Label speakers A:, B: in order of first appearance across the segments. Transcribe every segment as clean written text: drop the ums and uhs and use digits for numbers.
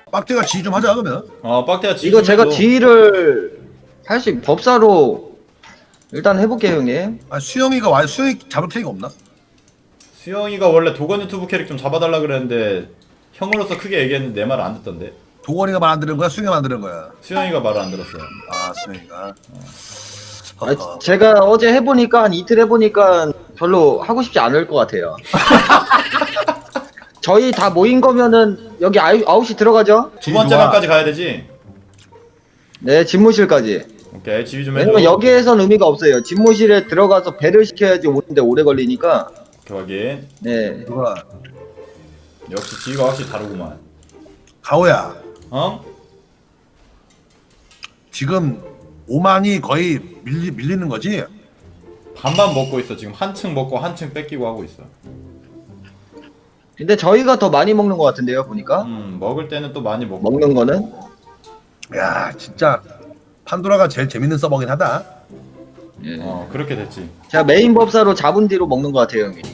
A: 빡대가 지휘 좀 하자 그러면.
B: 빡대가
C: 이거 제가 지휘를 사실 법사로 일단 해볼게요 형님.
A: 아 수영이가 와 수영이 잡을 캐릭 없나?
B: 수영이가 원래 도건 유튜브 캐릭 좀 잡아달라 그랬는데 형으로서 크게 얘기했는데 내 말을 안 듣던데.
A: 도건이가 말 안 들은 거야? 수영이가 말 안 들은 거야?
B: 수영이가 말을 안 들었어요.
A: 아 수영이가.
C: 제가 어제 해보니까 한 이틀 해보니까 별로 하고 싶지 않을 것 같아요. 저희 다 모인 거면은 여기 9시 들어가죠?
B: 두 번째 방까지 가야 되지?
C: 네, 집무실까지.
B: 오케이, 지휘 좀 해줘.
C: 왜냐면 여기에선 의미가 없어요. 집무실에 들어가서 배를 시켜야지 오는데 오래 걸리니까.
B: 오케이, 확인.
C: 네.
A: 누가
B: 역시 지휘가 확실히 다르구만.
A: 가오야.
B: 어?
A: 지금 5만이 거의 밀리는 거지?
B: 반반 먹고 있어. 지금 한층 먹고 한층 뺏기고 하고 있어.
C: 근데 저희가 더 많이 먹는 것 같은데요, 보니까.
B: 먹을 때는 또 많이 먹고.
C: 먹는 거는.
A: 야 진짜 판도라가 제일 재밌는 서버긴 하다.
C: 예.
B: 그렇게 됐지.
C: 제가 메인 법사로 잡은 뒤로 먹는 것 같아요, 형님.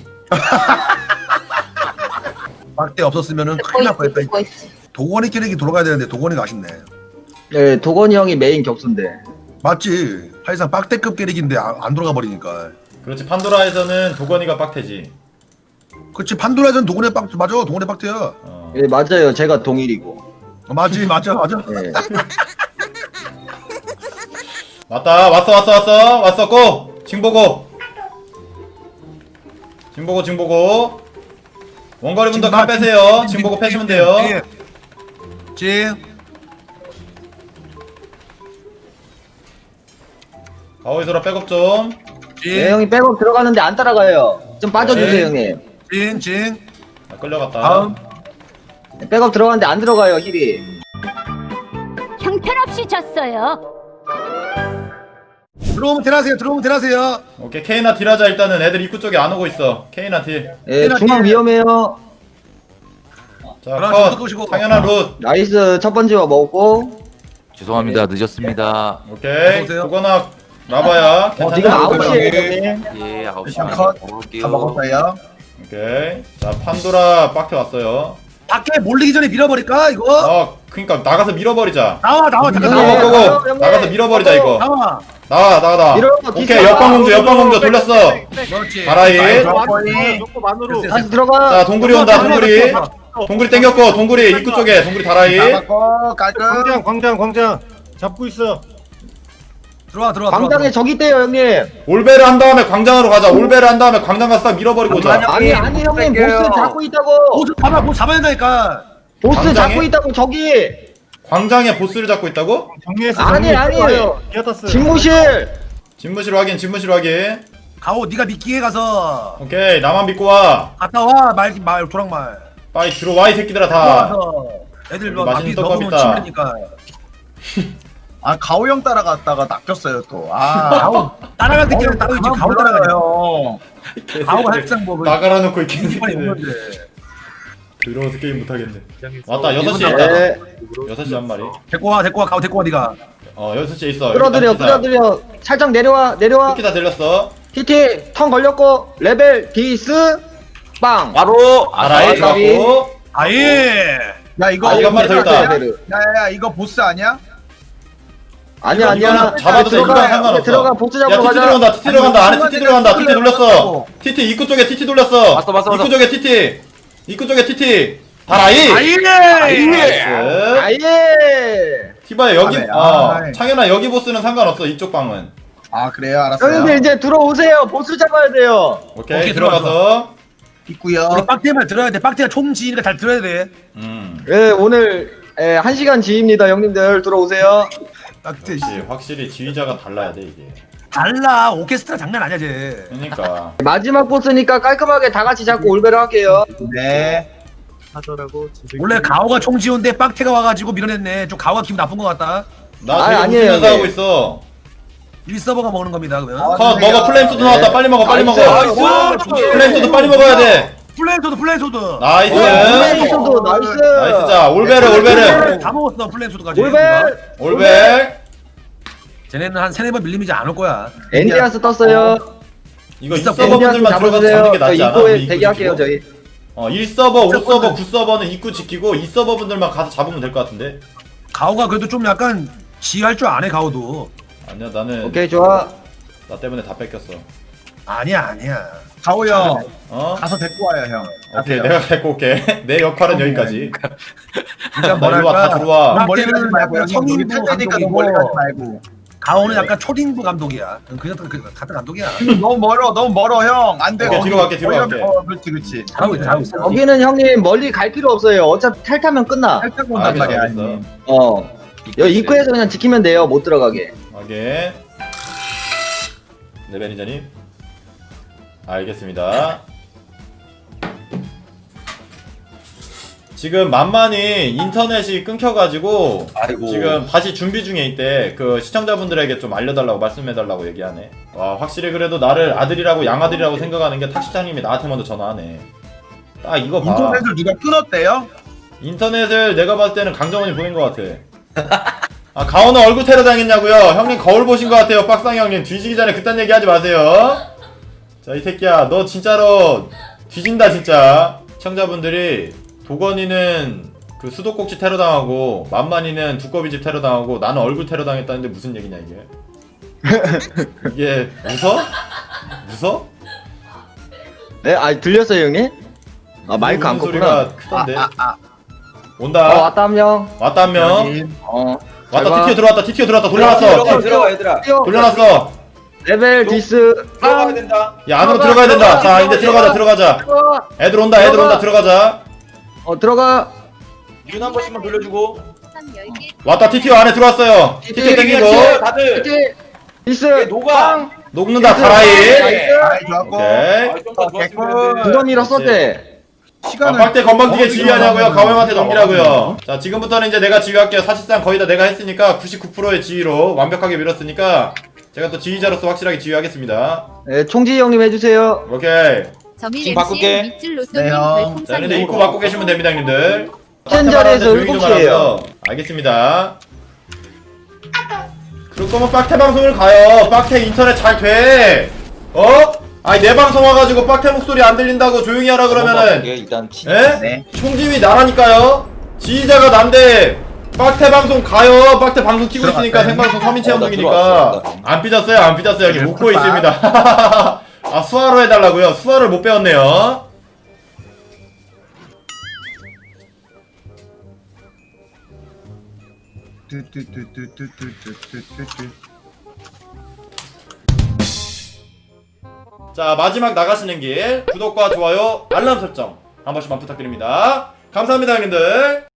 A: 빡대 없었으면은 큰일 날 뻔했다. 도건이 캐릭이 돌아가야 되는데 도건이가 아쉽네.
C: 네, 도건이 형이 메인 격수인데.
A: 맞지? 사실상 빡대급 캐릭인데 안 돌아가 버리니까.
B: 그렇지. 판도라에서는 도건이가 빡태지.
A: 그렇지 판도라에서는 도건의 빡 맞아. 도건의 빡대야.
C: 예, 맞아요. 제가 동일이고.
A: 맞지 맞아.
C: 네.
B: 왔다. 왔어. 고! 징보고. 징보고. 원거리 분들 칼 빼세요. 징보고 패시면 돼요.
A: 징.
B: 가오이소라 백업 좀.
C: 네, 형이 백업 들어가는데 안 따라가요. 좀 빠져주세요,
B: 네.
C: 형님.
A: 징.
B: 끌려갔다.
A: 다음.
C: 백업 들어가는데 안 들어가요, 힐이.
D: 형편없이 졌어요.
A: 들어오면 대나세요.
B: 오케이. 케이나 딜하자. 일단은 애들 입구 쪽에 안 오고 있어. 케이나 딜.
C: 예, 중앙 위험해요.
B: 자,
A: 하나
B: 컷.
A: 좀 끄시고.
B: 당연한 룻.
C: 나이스, 첫 번째 먹고.
E: 죄송합니다. 늦었습니다.
B: 오케이.
A: 어서오세요.
B: 도건아 라바야.
C: 지금
B: 괜찮아?
C: 9시에요, 형님.
E: 예, 9시
A: 컷.
E: 반
A: 다
E: 먹을게요.
A: 먹었어요.
B: 오케이. 자, 판도라 빡태 왔어요.
A: 밖에 몰리기 전에 밀어버릴까 이거?
B: 그니까 나가서 밀어버리자.
A: 나와 잠깐
C: 네.
A: 나와.
B: 고고.
C: 형님.
B: 나가서 밀어버리자 이거.
A: 나와.
B: 나와.
C: 밀어봐,
B: 오케이.
C: 뒤집어.
B: 옆방공주 돌렸어.
A: 그렇지.
B: 가라이.
C: 다시 들어가.
B: 자, 동굴이 온다. 동굴이 땡겼고 동굴이 입구 쪽에 동굴이 다라이.
A: 나갔고 깔끔.
F: 광장 잡고 있어.
A: 들어와.
C: 광장에 적이 있대요, 형님.
B: 올베를 한 다음에 광장으로 가자. 올베를 한 다음에 광장 가서 딱 밀어버리고 오자.
C: 아니, 형님, 보스 잡고 있다고.
A: 보스 잡아야 된다니까.
C: 보스
B: 광장에?
C: 잡고 있다고, 저기.
B: 광장에 보스를 잡고 있다고?
F: 정리했어.
C: 아니에요.
F: 기어탔어.
C: 집무실.
B: 집무실 확인.
A: 가오 네가 미끼에 가서
B: 오케이. 나만 믿고 와.
A: 갔다 와. 말 도랑말.
B: 빨리 들어와 이 새끼들아 다.
A: 들어와서 애들
B: 여기
A: 뭐
B: 맛있는
A: 앞이
B: 떡밥
A: 너무
B: 있다.
A: 치밀으니까.
G: 아 가오 형 따라갔다가 낚였어요 또. 아
A: 가오 따라갈 때끼리 따로 있지. 가오 따라가요. 가오가
B: 개새끼들.
A: 항상 뭐
B: 나가라 놓고 이
A: 이빨이
B: 개새끼들.
A: 없는데.
B: 들어와서 게임 못하겠네. 왔다 6시에 있다.
C: 네.
B: 6시 한 마리.
A: 데리고 와 가오 데리고 와 네가.
B: 6시에 있어.
C: 끌어들여. 살짝 내려와.
B: 이렇게 다 들렸어.
C: TT 턴 걸렸고 레벨 디스 빵.
E: 바로
B: 아라이
C: 가비.
B: 잡고.
A: 아예.
G: 야 이거
B: 아, 이거 한 마리 더 있다.
G: 야야야 이거 보스 아니야?
C: 아니야.
B: 이거는 잡아도 돼. 이거랑 상관없어.
C: 들어가 보스
B: 야
C: 잡으러
B: TT
C: 가자.
B: 들어간다. TT 들어간다. 안에 TT 들어간다. TT 돌렸어. TT 입구 쪽에 TT 돌렸어.
E: 왔어.
B: 입구 쪽에 TT. 입구 쪽에 TT. 다라이.
A: 아예.
B: 나이스.
C: 아예.
B: 티바야 여기
G: 아네, 아이.
B: 창현아 여기 보스는 상관없어. 이쪽 방은.
G: 아 그래요 알았어요.
C: 형님들 이제 들어오세요. 보스 잡아야 돼요.
B: 오케이 들어가서.
G: 있고요.
A: 우리 빡대만 들어야 돼. 빡대가 총 지니까 잘 들어야 돼.
C: 네 오늘 1시간 지입니다. 형님들 들어오세요.
A: 빡대.
B: 확실히 지휘자가 달라야 돼 이게.
A: 달라. 오케스트라 장난 아니야 쟤.
B: 그러니까.
C: 마지막 보스니까 깔끔하게 다 같이 잡고 올베를 할게요.
G: 네.
F: 하더라고.
A: 원래 가오가 총 지온데 빡태가 와가지고 밀어냈네. 좀 가오가 기분 나쁜 것 같다.
B: 나
C: 아니,
B: 지금
C: 아니에요,
B: 웃으면서
C: 네.
B: 하고 있어.
A: 1서버가 먹는 겁니다 그러면.
B: 컷 먹어. 플레임소드 나왔다. 빨리 먹어. 빨리 먹어. 플레임소드 빨리 먹어야 돼.
A: 플랜소드.
B: 나이스.
C: 플레이소드 나이스.
B: 나이스. 자 올베르.
A: 다 먹었어 플랜소드까지.
C: 올베.
B: 올백.
A: 쟤네는 한 3-4번 밀리면 이제 안 올 거야.
C: 엔디아스 떴어요.
B: 이거 이
A: 있어,
B: 서버분들만 들어가서 잡는 게 낫지 않아?
C: 입구에
B: 우리
C: 대기할게요
B: 입구
C: 저희.
B: 1서버, 5서버, 9서버는 입구 지키고 2서버 분들만 가서 잡으면 될 것 같은데.
A: 가오가 그래도 좀 약간 지휘할 줄 아네 가오도.
B: 아니야, 나는
C: 오케이 좋아.
B: 나 때문에 다 뺏겼어.
A: 아니야.
G: 가오 형
B: 어?
G: 가서 데리고 와요 형.
B: 오케이,
G: 가세요.
B: 내가 데리고 올게. 내 역할은 여기까지.
A: 그러니까
B: 나 일로 와, 다 들어와.
G: 넌 멀리 가지 말고
A: 약간
G: 형 여기
A: 성인부
G: 탈 테니까 너
A: 감독이고.
G: 멀리 가지 말고.
A: 가오는 약간 초딩부 감독이야. 그냥 같은 감독이야.
G: 너무 멀어 형. 안 돼.
B: 오케이, 뒤로 갈게, 뒤로 갈게.
G: 그렇지.
A: 잘하고 있어.
C: 여기는 형님 멀리 갈 필요 없어요. 어차피 탈타면 끝나.
G: 살짝 온단 말이야.
B: 알겠어.
G: 아니.
C: 여기 입구에서 그냥 지키면 돼요. 못 들어가게.
B: 확인. 네, 매니저님. 알겠습니다. 지금 만만히 인터넷이 끊겨가지고
E: 아이고.
B: 지금 다시 준비 중에 있대. 그 시청자분들에게 좀 알려달라고 말씀해달라고 얘기하네. 와, 확실히 그래도 나를 아들이라고 양아들이라고 생각하는 게 탁시장님이 나한테 먼저 전화하네. 딱 이거 봐.
G: 인터넷을 누가 끊었대요?
B: 인터넷을 내가 봤을 때는 강정원이 보낸 것 같아. 아, 가오는 얼굴 테러 당했냐고요? 형님 거울 보신 것 같아요. 빡상이 형님 뒤지기 전에 그딴 얘기 하지 마세요. 자, 이 새끼야, 너 진짜로 뒤진다 진짜. 시청자분들이 도건이는 그 수도꼭지 테러 당하고 만만이는 두꺼비집 테러 당하고 나는 얼굴 테러 당했다는데 무슨 얘기냐 이게? 이게 웃어?
C: 네, 들렸어요 형님? 마이크 안
B: 우는
C: 껐구나.
B: 소리가 크던데. 온다.
C: 왔다 한 명.
B: 왔다 한 명.
C: 잘
B: 왔다.
C: 봐.
B: TTO 들어왔다. 돌려놨어.
D: 들어가 얘들아.
B: 돌려놨어.
C: 레벨 디스.
D: 들어가야 된다.
B: 야, 안으로 들어가야 된다. 자, 이제 들어가자. 애들 온다. 들어가자.
C: 들어가.
D: 윤 한 번씩만 돌려주고.
B: 왔다. TTO 안에 들어왔어요. TTO 땡기고.
D: 다들.
C: 디스.
D: 녹아.
B: 녹는다. 다라이.
G: 아이 좋았고.
B: 오케이.
D: 좀더 좋았으면
C: 두 번 밀었었대.
G: 시간을
B: 빡대 건방지게 지휘하냐고요? 가오형한테 넘기라고요. 자, 지금부터는 이제 내가 지휘할게요. 사실상 거의 다 내가 했으니까 99%의 지휘로 완벽하게 밀었으니까 제가 또 지휘자로서 확실하게 지휘하겠습니다.
C: 네, 총지 형님 해주세요.
B: 오케이.
D: 지금 바꿀게.
G: 네, 형.
B: 자, 근데 입구 막고 계시면 됩니다, 형님들.
C: 센 자리에서
B: 조용히 좀
C: 7시에요.
B: 하라고요. 알겠습니다. 그럴 거면 빡태 방송을 가요. 빡태 인터넷 잘 돼. 아니, 내 방송 와가지고 빡태 목소리 안 들린다고 조용히 하라 그러면은
E: 일단
B: 에?
G: 네.
B: 총지휘 나라니까요. 지휘자가 난데 빡태 방송 가요. 빡태 방송 키고 있으니까
G: 들어갔어요.
B: 생방송 3인
E: 나
B: 체험동이니까
E: 들어왔어.
B: 안 삐졌어요. 여기
G: 네,
B: 웃고
G: 좋다.
B: 있습니다. 아, 수화로 해달라고요? 수화를 못 배웠네요. 자, 마지막 나가시는 길 구독과 좋아요 알람 설정 한 번씩만 부탁드립니다. 감사합니다, 형님들.